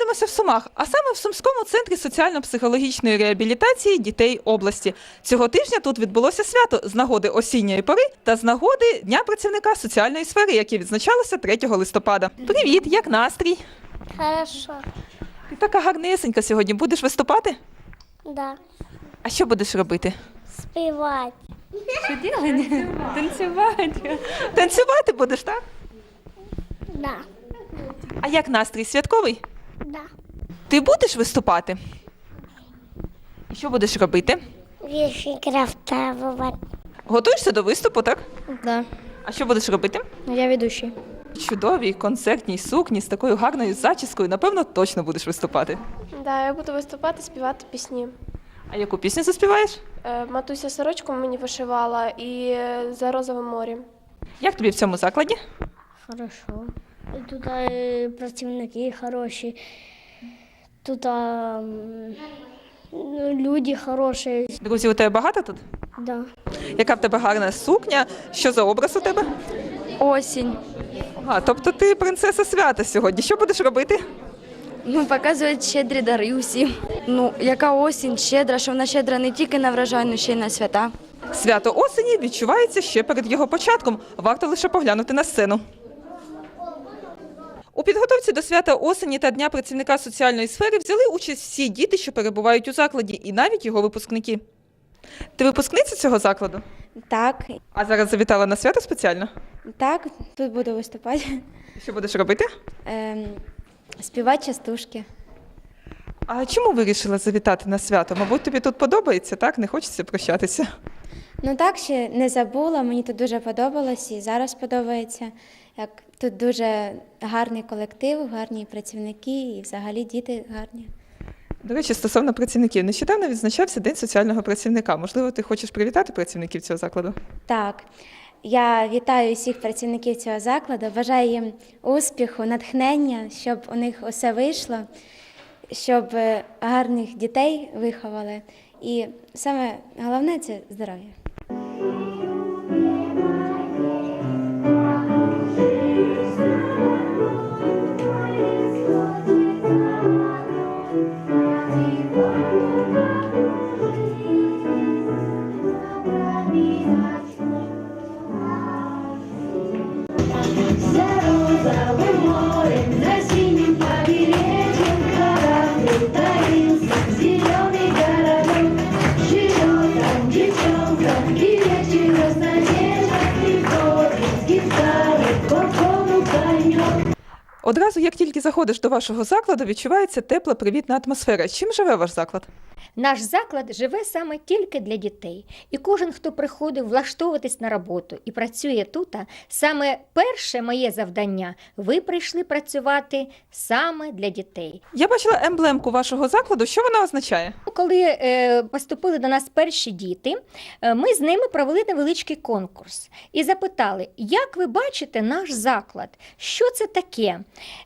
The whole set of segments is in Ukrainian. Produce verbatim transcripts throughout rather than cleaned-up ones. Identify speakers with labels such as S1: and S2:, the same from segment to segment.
S1: знаходимося в Сумах, а саме в Сумському центрі соціально-психологічної реабілітації дітей області. Цього тижня тут відбулося свято з нагоди осінньої пори та з нагоди Дня працівника соціальної сфери, яке відзначалося третього листопада. Привіт, як настрій?
S2: Хорошо.
S1: Ти така гарнесенька сьогодні. Будеш виступати?
S2: Да.
S1: А що будеш робити?
S2: Співати.
S3: Що делать? Танцювати.
S1: Танцювати будеш, так?
S2: Да.
S1: А як настрій? Святковий?
S2: Да.
S1: Ти будеш виступати? І що будеш робити?
S2: Вірші крафтовувати.
S1: Готуєшся до виступу, так?
S3: Да.
S1: А що будеш робити?
S3: Ну, я ведущий.
S1: Чудовій концертній сукні з такою гарною зачіскою, напевно, точно будеш виступати.
S4: Да, я буду виступати, співати пісні.
S1: А яку пісню заспіваєш?
S4: Е, Матуся сорочку мені вишивала і е, за розовим морем.
S1: Як тобі в цьому закладі?
S2: Хорошо. Тут е, працівники хороші. Тут а, м, ну, люди хороші.
S1: Друзі, у тебе багато тут?
S2: Да.
S1: Яка в тебе гарна сукня? Що за образ у тебе?
S3: Осінь.
S1: А, тобто ти принцеса свята сьогодні. Що будеш робити?
S3: Ну, показують щедрі дари усім. Ну, яка осінь щедра, що вона щедра не тільки на врожай, але ще й на свята.
S1: Свято осені відчувається ще перед його початком. Варто лише поглянути на сцену. У підготовці до свята осені та Дня працівника соціальної сфери взяли участь всі діти, що перебувають у закладі, і навіть його випускники. Ти випускниця цього закладу?
S3: Так,
S1: А зараз завітала на свято спеціально?
S3: так, тут буду виступати.
S1: Що будеш робити?
S3: Ем, співати частушки.
S1: А чому вирішила завітати на свято? Мабуть, тобі тут подобається, так? Не хочеться прощатися.
S3: Ну так, ще не забула, мені тут дуже подобалось і зараз подобається. Як тут дуже гарний колектив, гарні працівники і взагалі діти гарні.
S1: До речі, стосовно працівників. Нещодавно відзначався День соціального працівника. Можливо, ти хочеш привітати працівників цього закладу?
S3: Так, я вітаю всіх працівників цього закладу, бажаю їм успіху, натхнення, щоб у них усе вийшло, щоб е, гарних дітей виховали. І саме головне – це здоров'я.
S1: Одразу, як тільки заходиш до вашого закладу, відчувається тепла, привітна атмосфера. Чим живе ваш заклад?
S5: Наш заклад живе саме тільки для дітей. І кожен, хто приходив влаштовуватись на роботу і працює тут, саме перше моє завдання – ви прийшли працювати саме для дітей.
S1: Я бачила емблемку вашого закладу. Що вона означає?
S5: Коли е, поступили до нас перші діти, е, ми з ними провели невеличкий конкурс і запитали, як ви бачите наш заклад, що це таке?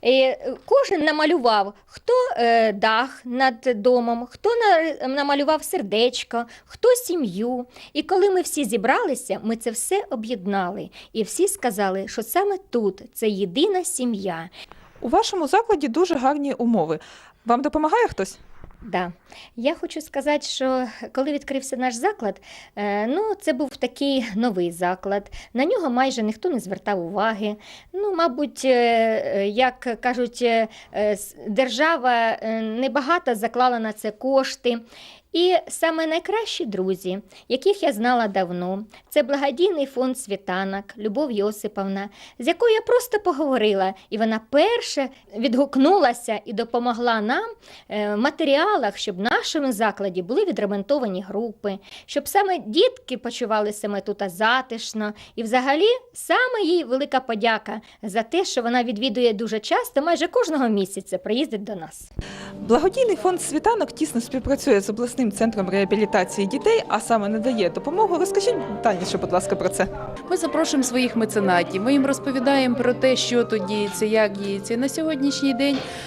S5: Е, кожен намалював, хто е, дах над домом, хто на, намалював сердечко, хто сім'ю. І коли ми всі зібралися, ми це все об'єднали. І всі сказали, що саме тут це єдина сім'я.
S1: У вашому закладі дуже гарні умови. Вам допомагає хтось?
S5: Да. Я хочу сказати, що коли відкрився наш заклад, е, ну, це був такий новий заклад. На нього майже ніхто не звертав уваги. Ну, мабуть, е, як кажуть, е, с- держава е, небагато заклала на це кошти. І саме найкращі друзі, яких я знала давно, це благодійний фонд «Світанок» Любов Йосиповна, з якою я просто поговорила, і вона перша відгукнулася і допомогла нам е, в матеріалах, щоб в нашому закладі були відремонтовані групи, щоб саме дітки почували себе тут затишно. І взагалі саме їй велика подяка за те, що вона відвідує дуже часто, майже кожного місяця приїздить до нас.
S1: Благодійний фонд «Світанок» тісно співпрацює з обласним центром реабілітації дітей, а саме надає допомогу. Розкажіть детальніше, будь ласка, про це.
S6: Ми запрошуємо своїх меценатів, ми їм розповідаємо про те, що тут діється, як діється. На сьогоднішній день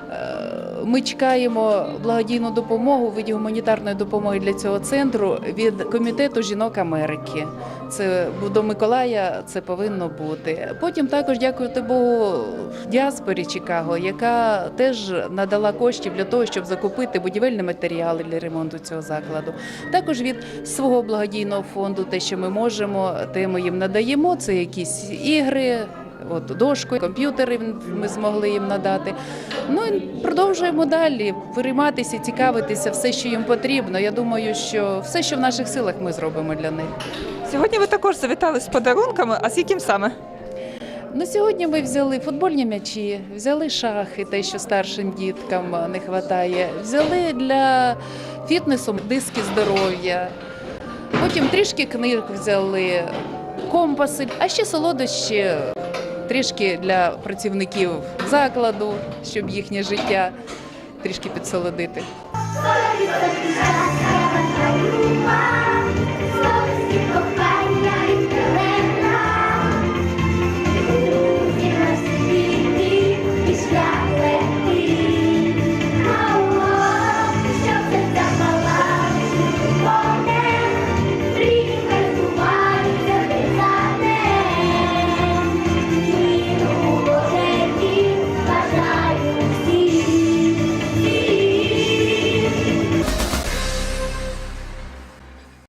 S6: Ми чекаємо благодійну допомогу у виді гуманітарної допомоги для цього центру від Комітету жінок Америки. Це до Миколая це повинно бути. Потім також, дякувати Богу, діаспорі Чикаго, яка теж надала коштів для того, щоб закупити будівельні матеріали для ремонту цього закладу. Також від свого благодійного фонду те, що ми можемо, те ми їм надаємо. Це якісь ігри, от дошку, комп'ютери ми змогли їм надати. Ну і продовжуємо далі перейматися, цікавитися, все, що їм потрібно. Я думаю, що все, що в наших силах, ми зробимо для них.
S1: Сьогодні ви також завітали з подарунками, а з яким саме?
S6: На сьогодні ми взяли футбольні м'ячі, взяли шахи, те, що старшим діткам не вистачає, взяли для фітнесу диски здоров'я, потім трішки книг взяли, компаси, а ще солодощі трішки для працівників закладу, щоб їхнє життя трішки підсолодити.
S7: Thank you.